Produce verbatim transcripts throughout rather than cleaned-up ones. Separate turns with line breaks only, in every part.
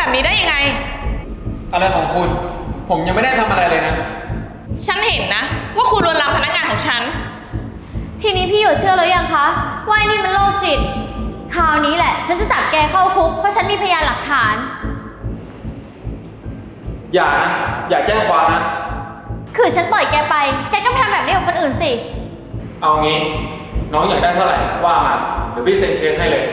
แบบนี้ได้ยังไง
อะไรของคุณผมยังไม่ได้ทำอะไรเลยนะ
ฉันเห็นนะว่าคุณลวนลามพนักงานของฉัน
ทีนี้พี่หยดเชื่อแล้วยังคะว่าไอ้นี่มันโรคจิตคราวนี้แหละฉันจะจับแกเข้าคุกเพราะฉันมีพยานหลักฐาน
อย่านะอย่าแจ้งความนะ
คือฉันปล่อยแกไปแกก็ทำแบบนี้กับคนอื่นสิ
เอางี้น้องอยากได้เท่าไหร่ว่ามาเดี๋ยวพี่เซ็นเช็คให้เลย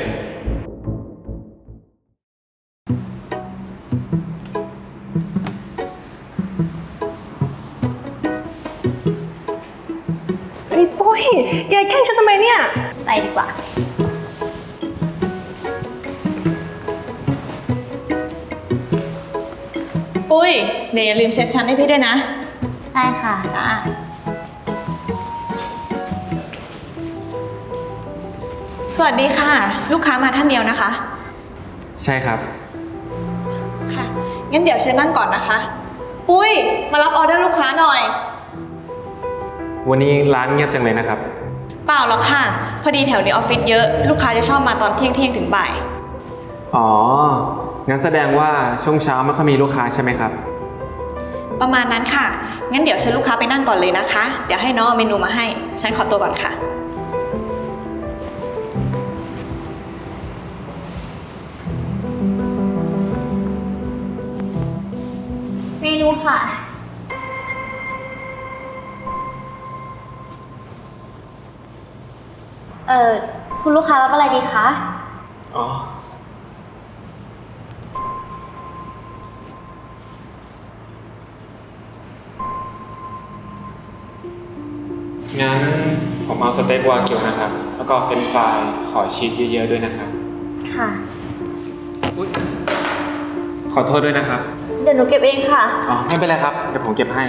ไอ้ปุ้ยแกแกล้งฉันทำไมเนี่ย
ไปดีกว่า
ปุ้ยเดี๋ยวอย่าลืมเช็ดชั้นให้พี่ด้วยนะ
ได้ค่ะ
จ้าสวัสดีค่ะลูกค้ามาท่านเดียวนะคะ
ใช่ครับ
ค่ะงั้นเดี๋ยวเชิญนั่งก่อนนะคะ
ปุ้ยมารับออเดอร์ลูกค้าหน่อย
วันนี้ร้านเงียบจังเลยนะครับ
เปล่าหรอกค่ะพอดีแถวนี้ออฟฟิศเยอะลูกค้าจะชอบมาตอนเที่ยงเที่ยงถึงบ่าย
อ๋องั้นแสดงว่าช่วงเช้าไม่ค่อยมีลูกค้าใช่ไหมครับ
ประมาณนั้นค่ะงั้นเดี๋ยวเชิญลูกค้าไปนั่งก่อนเลยนะคะเดี๋ยวให้น้องเอาเมนูมาให้ฉันขอตัวก่อนค่ะ
เมนูค่ะเอ่อคุณลูกค้ารับอะไรดีคะ
อ๋องั้นผมเอาสเต็กวากิวนะครับแล้วก็เฟรนช์ฟรายขอชีสเยอะๆด้วยนะครับ
ค่ะ
ขอโทษด้วยนะครับ
เดี๋ยวหนูเก็บเองค่ะ
อ๋อไม่เป็นไรครับเดี๋ยวผมเก็บให้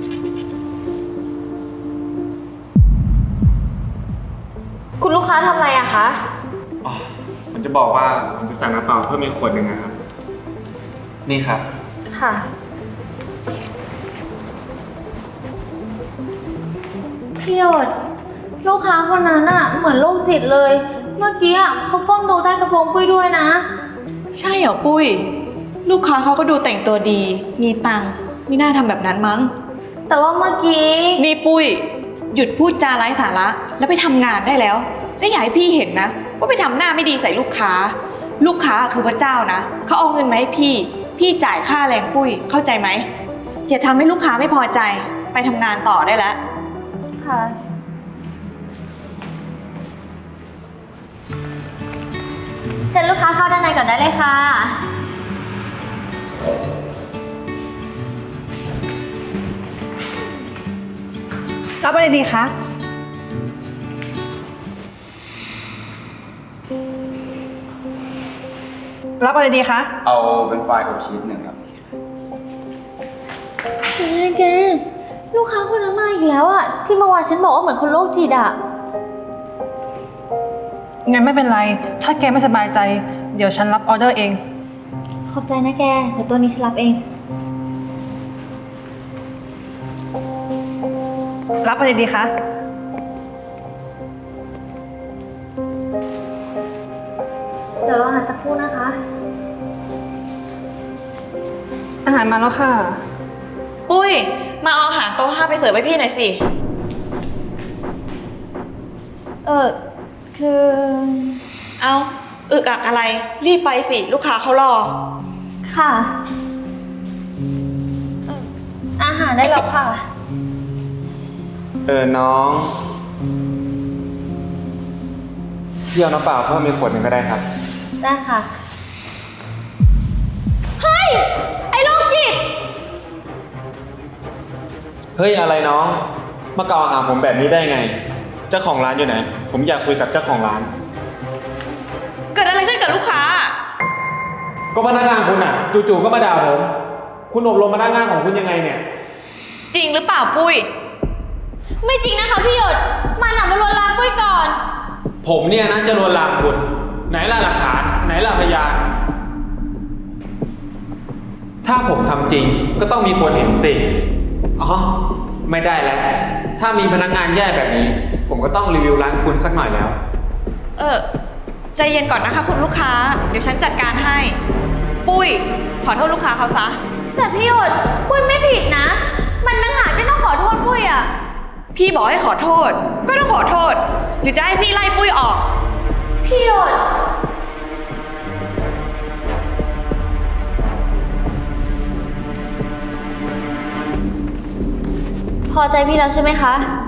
คุณลูกค้าทำอะไรอะคะ
อ๋อผมจะบอกว่าผมจะสั่งน้ำเปล่าเพิ่มอีกขวดหนึ่งนะครับนี่ครับ
ค่ะพี่หยดลูกค้าคนนั้นอะเหมือนโรคจิตเลยเมื่อกี้อะเขาก้มดูใต้กระโปรงปุ้ยด้วยนะ
ใช่เหรอปุ้ยลูกค้าเขาก็ดูแต่งตัวดีมีตังค์ไม่น่าทำแบบนั้นมั้ง
แต่ว่าเมื่อกี้
นี่ปุ้ยหยุดพูดจาไร้สาระแล้วไปทำงานได้แล้วและอย่าให้พี่เห็นนะว่าไปทำหน้าไม่ดีใส่ลูกค้าลูกค้าคือพระเจ้านะเขาเอาเงินมาให้พี่พี่จ่ายค่าแรงปุ้ยเข้าใจไหมอย่าทำให้ลูกค้าไม่พอใจไปทำงานต่อได้แล้ว
ค่ะเชิญลูกค้าเข้าด้านในก่อนได้เลยค่ะ
รับอะไรดีคะรับอะไรดีคะ
เอาเป็นไฟล์กับชีสหนึ่งครับ
แกแกลูกค้าคนนั้นมาอีกแล้วอะที่เมื่อวานฉันบอกว่าเหมือนคนโรคจิตอะ
งั้นไม่เป็นไรถ้าแกไม่สบายใจเดี๋ยวฉันรับออเดอร์เอง
ขอบใจนะแกเดี๋ยวตัวนี้ฉันรับเอง
รับอะไรดีคะ
เดี๋ยวรออาหารสักครู่นะคะ
อาหารมาแล้วค่ะ
ปุ้ยมาเอาอาหารโต๊ะห้าไปเสิร์ฟให้พี่หน่อยสิ
เออคือ
เอาอึกอักอะไรรีบไปสิลูกค้าเขารอ
ค่ะอาหารได้แล้วค่ะ
เออน้องพี่เอาน้ำเปล่าเพิ่มอีกขวดหนึ่งก็ได้ครับ
ได้ค่ะเฮ้ยไอ้โรคจิต
เฮ้ยอะไรน้องมากล่าวหาผมแบบนี้ได้ไงเจ้าของร้านอยู่ไหนผมอยากคุยกับเจ้าของร้าน
เกิดอะไรขึ้นกับลูกค้า
ก็พนักงานคุณอ่ะจู่ๆก็มาด่าผมคุณอบรมพนักงานของคุณยังไงเนี่ย
จริงหรือเปล่าปุ้ย
ไม่จริงนะคะพี่หยดมันหนักมาลวนลามปุ้ยก่อน
ผมเนี่ยนะจะลวนลามคุณไหนล่ะหลักฐานไหนล่ะพยานถ้าผมทำจริงก็ต้องมีคนเห็นสิอ๋อไม่ได้แล้วถ้ามีพนักงานแย่แบบนี้ผมก็ต้องรีวิวร้านคุณสักหน่อยแล้ว
เออใจเย็นก่อนนะคะคุณลูกค้าเดี๋ยวฉันจัดการให้ปุ้ย ขอโทษลูกค้าเขาซะ
แต่พี่หยดปุ้ยไม่ผิดนะ มันต่างหากที่ต้องขอโทษปุ้ยอะ
พี่บอกให้ขอโทษ ก็ต้องขอโทษ หรือจะให้พี่ไล่ปุ้ยออก
พี่หยดพอใจพี่แล้วใช่ไหมคะ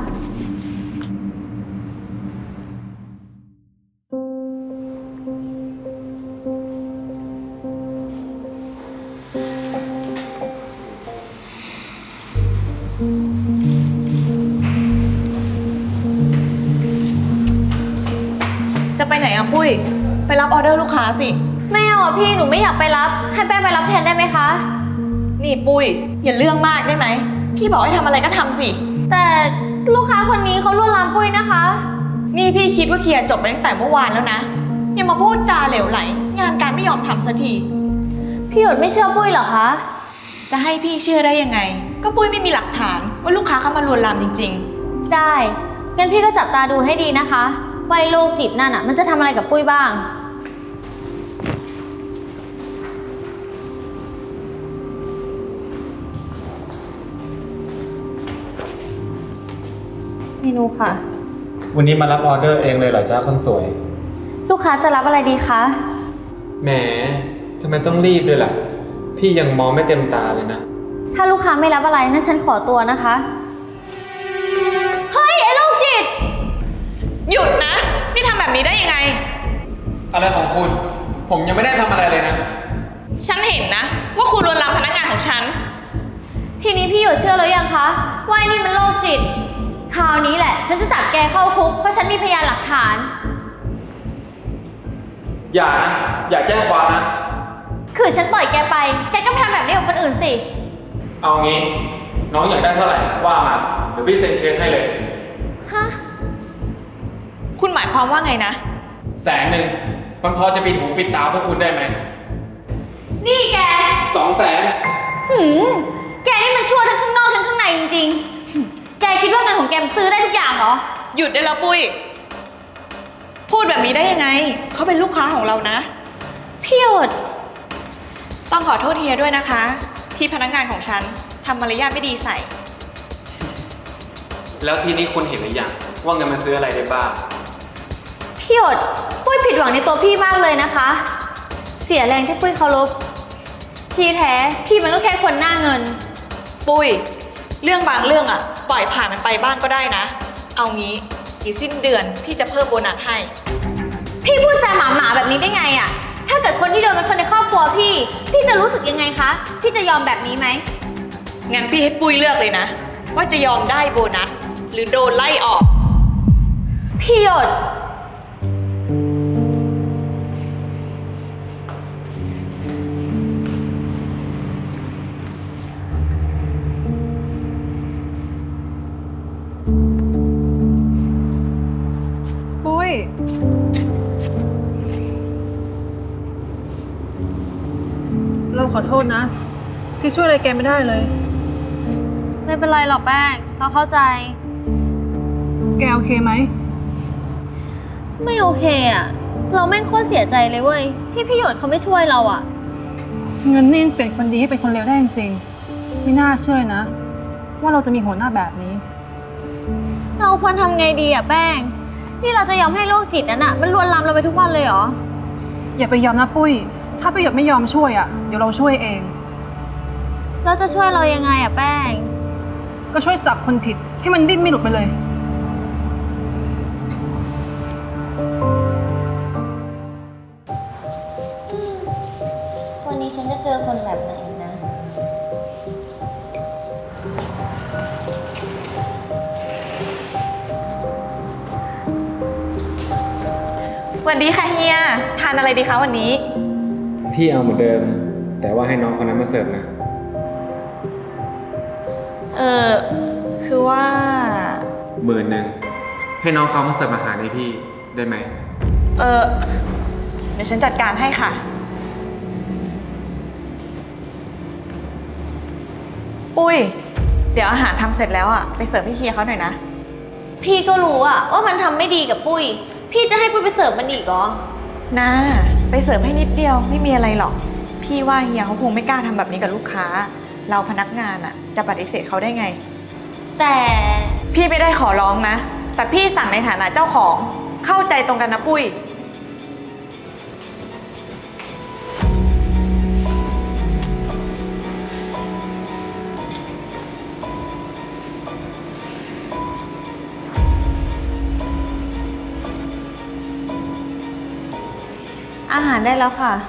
จะไปไหนอะปุ้ย ไปรับออเดอร์ลูกค้าสิ
ไม่เอาอะพี่หนูไม่อยากไปรับ ให้แป้งไปรับแทนได้ไหมคะ
นี่ปุ้ย อย่าเรื่องมากได้ไหม พี่บอกให้ทำอะไรก็ทำสิ
แต่ลูกค้าคนนี้เขาลวนลามปุ้ยนะคะ
นี่พี่คิดว่าเคลียร์จบไปตั้งแต่เมื่อวานแล้วนะ ยังมาพูดจาเหลวไหล งานการไม่ยอมทำสักที
พี่หยดไม่เชื่อปุ้ยเหรอคะ
จะให้พี่เชื่อได้ยังไง ก็ปุ้ยไม่มีหลักฐานว่าลูกค้าเข้ามาลวนลามจริง
ได้ งั้นพี่ก็จับตาดูให้ดีนะคะว่าไอ้โรคจิตนั่นอ่ะมันจะทำอะไรกับปุ้ยบ้าง เมนูค่ะ
วันนี้มารับออเดอร์เองเลยเหรอจ้าคนสวย
ลูกค้าจะรับอะไรดีคะ
แหมทำไมต้องรีบด้วยล่ะ พี่ยังมองไม่เต็มตาเลยนะ
ถ้าลูกค้าไม่รับอะไรนั่นฉันขอตัวนะคะ เฮ้ย ไอ้โรคจิต
ๆ หยุดนะ นี่ทำแบบนี้ได้ยังไง
อะไรของคุณ ผมยังไม่ได้ทำอะไรเลยนะ
ฉันเห็นนะ ว่าคุณลวนลามพนักงานของฉัน
ทีนี้พี่หยดเชื่อแล้วยังคะว่าไอ้นี่มันโรคจิต คราวนี้แหละ ฉันจะจับแกเข้าคุกเพราะฉันมีพยานหลักฐาน
อย่านะ อย่าแจ้งความนะ
คือฉันปล่อยแกไป แกก็ทำแบบนี้กับคนอื่นสิ
เอางี้ น้องอยากได้เท่าไหร่ว่ามา เดี๋ยวพี่เซ็นเช็คให้เลย
ฮะ
คุณหมายความว่าไงนะ
แสนหนึ่งมันพอจะปิดหูปิดตาพวกคุณได้ไหม
นี่แก
สองแสน
หืม แกนี่มันชั่วทั้งข้างนอกทั้งข้างในจริงๆ แกคิดว่าเงินของแกมันซื้อได้ทุกอย่างเหรอ
หยุดได้แล้วปุ้ย พูดแบบนี้ได้ยังไง เขาเป็นลูกค้าของเรานะ
พี่หยด
ต้องขอโทษเฮียด้วยนะคะ ที่พนักงานของฉันทำมารยาทไม่ดีใส่
แล้วทีนี้คุณเห็นหรือยังว่าเงินมันซื้ออะไรได้บ้าง
พี่หยด ปุ้ยผิดหวังในตัวพี่มากเลยนะคะ เสียแรงที่ปุ้ยเคารพที่แท้พี่มันก็แค่คนหน้าเงิน
ปุ้ย เรื่องบางเรื่องอะปล่อยผ่านมันไปบ้างก็ได้นะ เอางี้อีกสิ้นเดือนพี่จะเพิ่มโบนัสให้
พี่พูดจาหมาหมาๆแบบนี้ได้ไงอะถ้าเกิดคนที่โดนเป็นคนในครอบครัวพี่ พี่จะรู้สึกยังไงคะ พี่จะยอมแบบนี้ไหม
งั้นพี่ให้ปุ้ยเลือกเลยนะ ว่าจะยอมได้โบนัส หรือโดนไล่ออก
พี่หยด
ปุ้ย เราขอโทษนะ ที่ช่วยอะไรแกไม่ได้เลย
ไม่เป็นไรหรอกแป้ง เราเข้าใจ
แกโอเคไหม
ไม่โอเคอะเราแม่งโคตรเสียใจเลยเว้ย ที่พี่หยดเขาไม่ช่วยเราอะ
เงินนี่ยังเปลี่ยนคนดีให้เป็นคนเลวได้จริงๆไม่น่าเชื่อนะ ว่าเราจะมีหัวหน้าแบบนี้
เราควรทำไงดีอะแป้ง นี่เราจะยอมให้โรคจิตนั้นอะมันลวนลามเราไปทุกวันเลยเหรอ
อย่าไปยอมนะปุ้ย ถ้าประโยชน์ไม่ยอมช่วยอ่ะ เดี๋ยวเราช่วยเอง
เราจะช่วยเรายังไงอะแป้ง
ก็ช่วยจับคนผิดให้มันดิ้นไม่หลุดไปเลย
วันนี้ฉันจะเจอคนแบบไหนนะ
สวัสดีค่ะเฮีย ทานอะไรดีคะวันนี้
พี่เอาเหมือนเดิม แต่ว่าให้น้องคนนั้นมาเสิร์ฟนะ
เออคือว่า
หมื่นหนึ่งให้น้องเขามาเสิร์ฟอาหารให้พี่ได้ไหม
เออเดี๋ยวฉันจัดการให้ค่ะ ปุ้ย เดี๋ยวอาหารทำเสร็จแล้วอ่ะ ไปเสิร์ฟให้เฮียเขาหน่อยนะ
พี่ก็รู้อะว่ามันทำไม่ดีกับปุ้ย พี่จะให้ปุ้ยไปเสิร์ฟมันอีกเหรอ
นะ ไปเสิร์ฟให้นิดเดียวไม่มีอะไรหรอก พี่พี่ว่าเฮียเขาคงไม่กล้าทำแบบนี้กับลูกค้า เราพนักงานอะจะปฏิเสธเขาได้ไง
แต่
พี่ไม่ได้ขอร้องนะ แต่พี่สั่งในฐานะเจ้าของเข้าใจตรงกันนะปุ้ย
อาหารได้แล้วค่ะ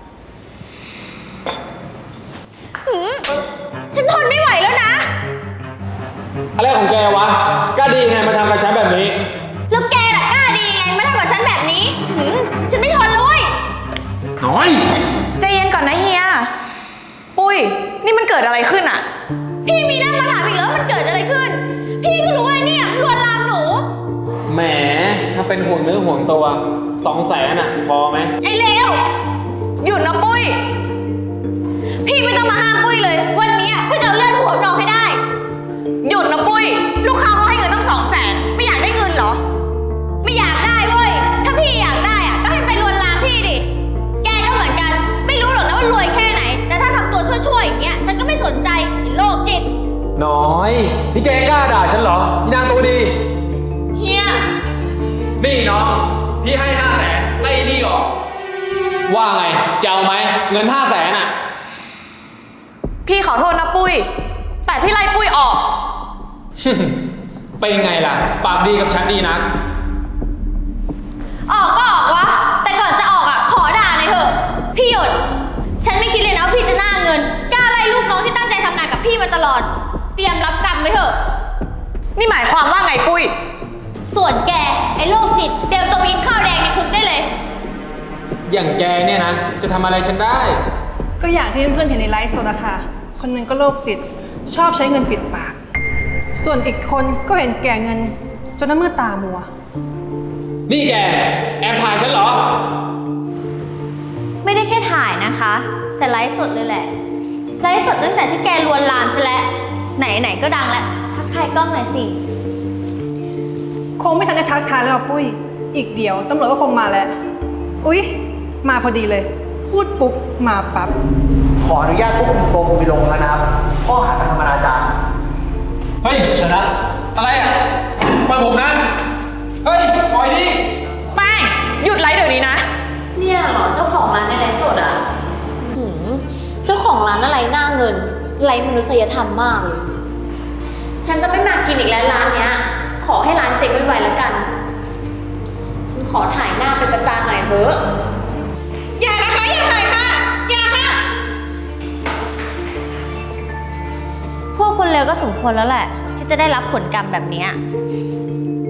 หืมฉันทนไม่ไหวแล้วนะ
อะไรของแกวะ กล้าดีไงมาทำกับฉันแบบนี้
แล้วแกล่ะกล้าดีไงมาทำกับฉันแบบนี้หืมฉันไม่ทนเลยเว้ย
น้อย
ใจเย็นก่อนนะเฮีย ปุ้ย นี่มันเกิดอะไรขึ้นอะ
พี่มีหน้ามาถามอีกแล้วามันเกิดอะไรขึ้น พี่ก็รู้ไอ้เนี่ยลวนลามหนู
แหม ถ้าเป็นห่วงเนื้อห่วงตัวสองแสนอ่ะ พอไหม
ไอ้เลว
หยุดนะปุ้ย
พี่ไม่ต้องมาห้ามปุ้ยเลย วันนี้ปุ้ยจะเอาเลือดหัวน้องให้ได้
หยุดนะปุ้ย ลูกค้าเขาให้เงินตั้งสองแสนไม่อยากได้เงินเหรอ
ไม่อยากได้เว้ย ถ้าพี่อยากได้อะก็ให้ไปลวนลามพี่ดิ แกก็เหมือนกัน ไม่รู้หรอกนะว่ารวยแค่ไหน แต่ถ้าทำตัวชั่วๆอย่างเงี้ย ฉันก็ไม่สนใจไอ้โรคจิต
น้อย นี่แกกล้าด่าฉันเหรอพี่นางตัวดี
เฮีย
นี่น้อง พี่ให้ห้าแสนไล่นี่ออก ว่าไงจะเอาไหมเงินห้าแสนอ่ะ
พี่ขอโทษนะปุ้ย แต่พี่ไล่ปุ้ยออก
เป็นไงล่ะ ปากดีกับฉันดีนะ
ออกก็ออกวะ แต่ก่อนจะออกอ่ะ ขอด่าหน่อยเถอะ พี่หยด ฉันไม่คิดเลยนะว่าพี่จะหน้าเงิน กล้าไล่ลูกน้องที่ตั้งใจทำงานกับพี่มาตลอด เตรียมรับกรรมไว้เถอะ
นี่หมายความว่าไงปุ้ย
ส่วนแก ไอ้โรคจิต เตรียมตัวไปกินข้าวแดงในคุกได้เลย
อย่างแกเนี่ยนะ จะทำอะไรฉันได้
ก็อย่างที่เพื่อนๆเห็นในไลฟ์สดอะค่ะ คนหนึงก็โรคจิต ชอบใช้เงินปิดปาก ส่วนอีกคนก็เห็นแก่เงิน จนน้ำมือตามัว
นี่แก แอบถ่ายฉันเหรอ
ไม่ได้แค่ถ่ายนะคะ แต่ไลฟ์สดเลยแหละ ไลฟ์สดตั้งแต่ที่แกลวนลามฉันแล้ว ไหนๆก็ดังแล้ว ทักทายกล้องหน่อยสิ
คงไม่ทันได้ทักทายแล้วหรอกปุ้ย อีกเดี๋ยวตำรวจก็คงมาแล้ว อุ๊ย มาพอดีเลย พูดปุ๊บ มาปั๊บ
ขออนุญาตควบคุมตัวคุณไปโรงพักนะครับ ข้อหากระทำอนาจาร
เฮ้ยชนะ อะไรอ่ะปล่อยผมนะ เฮ้ย ปล่อยดิ
แป้ง หยุดไลฟ์เดี๋ยวนี้นะ
เนี่ยเหรอเจ้าของร้านในไลฟ์สดอ่ะหืมเจ้าของร้านอะไรหน้าเงินไร้มนุษยธรรมมากเลย ฉันจะไม่มากินอีกแล้วร้านเนี้ย ขอให้ร้านเจ๊งไวๆแล้วกัน ฉันขอถ่ายหน้าไปประจานหน่อยเถอะ
อย่านะคะ อย่าถ่ายค่ะ อย่าค่ะ
พวกคนเลวก็สมควรแล้วแหละ ที่จะได้รับผลกรรมแบบเนี้ย